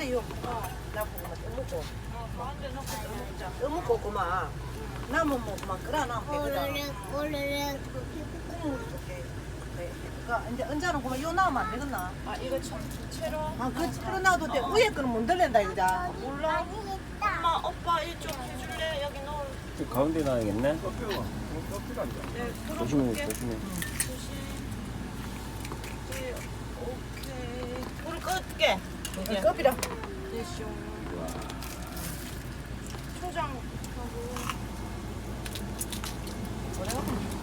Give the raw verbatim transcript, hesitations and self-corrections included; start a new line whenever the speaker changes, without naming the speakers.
가운데 요. 나 그거만 떠먹고.
어, 가운데 넣고 떠먹자.
떠먹고 그만. 남은 뭐 그만 끓여놔.
꼬르륵 꼬르륵.
국물이 좋게. 그래. 그러니까 이제 언제는 그만 요 나오면 안 되겠나?
아, 이거 참 채로.
아, 그 채로 놔도 돼. 위에 거는 못 들린다 이거자.
몰라? 엄마, 오빠 이쪽 해줄래? 여기 넣을.
저 가운데 놔야겠네.
네,
조심해,
들어볼게.
조심해.
조심. 네, 오케이. 불 끌게. 이제.
껍이라.
됐쇼. 초장하고.
뭐라고?